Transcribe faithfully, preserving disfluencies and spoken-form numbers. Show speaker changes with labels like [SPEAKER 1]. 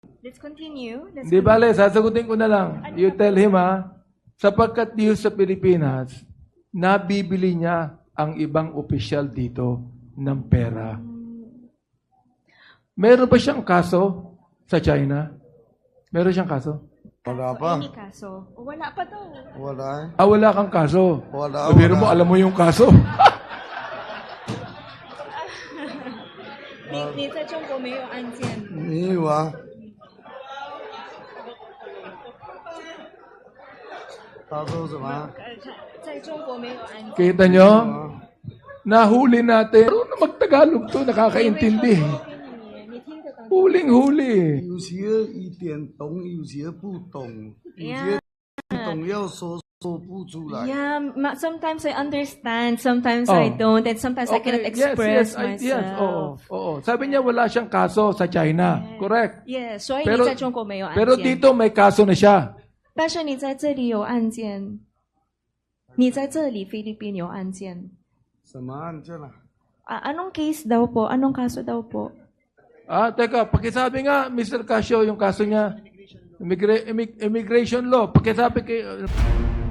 [SPEAKER 1] Let's continue. Let's
[SPEAKER 2] Di
[SPEAKER 1] continue.
[SPEAKER 2] bale, sasagutin ko na lang. You tell him ha, sapagkat dito sa Pilipinas, nabibili niya ang ibang opisyal dito ng pera. Meron ba siyang kaso sa China? Meron siyang kaso?
[SPEAKER 3] Wala
[SPEAKER 1] Kaso,
[SPEAKER 3] pa.
[SPEAKER 1] any kaso. O, wala pa daw.
[SPEAKER 3] Wala eh.
[SPEAKER 2] Ah, wala kang kaso.
[SPEAKER 3] Wala,
[SPEAKER 2] Sabihin
[SPEAKER 3] wala.
[SPEAKER 2] mo, alam mo yung kaso.
[SPEAKER 1] 你你在中国没有案件？
[SPEAKER 3] 没有啊。他说什么？
[SPEAKER 1] 呃，在中国没有案件。
[SPEAKER 2] Kita nyo? Nahuli natin. Pero na mag-Tagalog to, nakakaintindi.
[SPEAKER 1] 你听得懂？
[SPEAKER 2] Huling-huli.
[SPEAKER 3] 有些一点懂，有些不懂，有些
[SPEAKER 1] Yeah.
[SPEAKER 3] 懂要说说不出来。
[SPEAKER 1] Yeah, ma- sometimes I understand, sometimes
[SPEAKER 2] Oh.
[SPEAKER 1] I don't, and sometimes I cannot express
[SPEAKER 2] yes, yes, I-
[SPEAKER 1] myself.
[SPEAKER 2] yes, oo, oo. Sabi niya wala siyang kaso sa China. Correct.
[SPEAKER 1] Yeah, 所以
[SPEAKER 2] Pero-
[SPEAKER 1] 你在中国没有案件。
[SPEAKER 2] Pero dito may kaso na siya.
[SPEAKER 1] 但是你在这里有案件，你在这里菲律宾有案件。
[SPEAKER 3] 什么案件啊？
[SPEAKER 1] Ah, anong case daw po? Anong kaso daw po?
[SPEAKER 2] Ah, teka, pakisabi nga, Mister Casio, yung kaso niya, immigra- immig- immigration law, pakisabi kay...